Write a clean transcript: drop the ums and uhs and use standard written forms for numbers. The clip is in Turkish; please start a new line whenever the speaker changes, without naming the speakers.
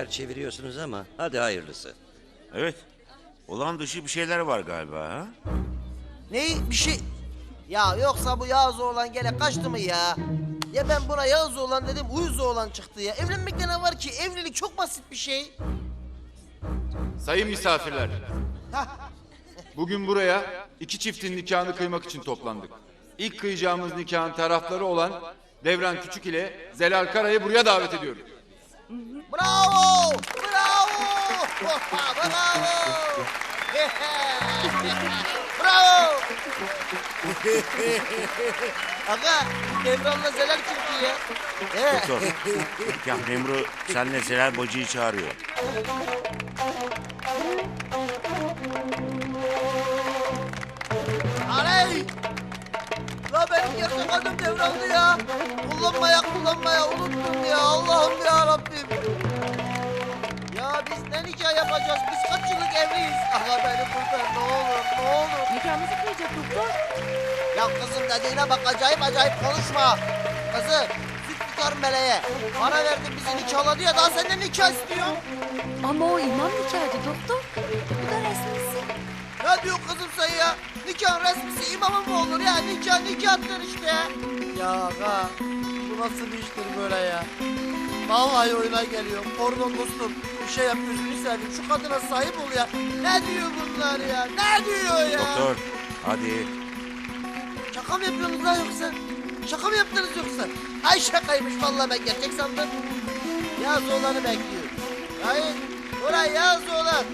işler çeviriyorsunuz ama hadi hayırlısı.
Evet. Olan dışı bir şeyler var galiba ha?
Ne bir şey? Ya yoksa bu Yağız oğlan gene kaçtı mı ya? Ya ben buna Yağız oğlan dedim, uyuz oğlan çıktı ya. Evlenmekte ne var ki? Evlilik çok basit bir şey.
Sayın misafirler. Bugün buraya iki çiftin nikahını kıymak için toplandık. İlk kıyacağımız nikahın tarafları olan Devran Küçük ile Zelal Kara'yı buraya davet ediyorum.
Bravo! Bravo! Bravo! Bravo! Aga, Devran'la Zelal çıktı ya.
Doktor. Nikah memuru senle Zelal bacıyı çağırıyor.
Aley! La benim gerçek adım Devran'dı ya. Kullanmaya unuttum ya. Allah'ım ya Rabbim. Ya biz ne nikah yapacağız? Biz kaç yıllık evliyiz? Aga beni kurtar ne olur ne olur.
Nikahımızı kıyacak doktor.
Ya kızım dediğine bak acayip konuşma. Kızım süt nikah meleğe. Para verdi bizi nikahladı ya daha senden nikah istiyor.
Ama o imam nikahıydı doktor. Bu da resmisi.
Ne diyor kızım sen ya? Nikahın resmisi imamın mı olur ya? Nikahtır işte. Ya aga bu nasıl bir iştir böyle ya? Vallahi oyuna geliyor. Pardon dostum bir şey yap gözünü seveyim. Şu kadına sahip ol ya. Ne diyor bunlar ya? Ne diyor ya?
Doktor. Hadi.
Şaka mı yapıyorsunuz lan yoksa? Şaka mı yaptınız yoksa? Ay şakaymış vallahi ben gerçek sandım. Yaz oğlanı bekliyorum. Hayır. Oraya yaz oğlan.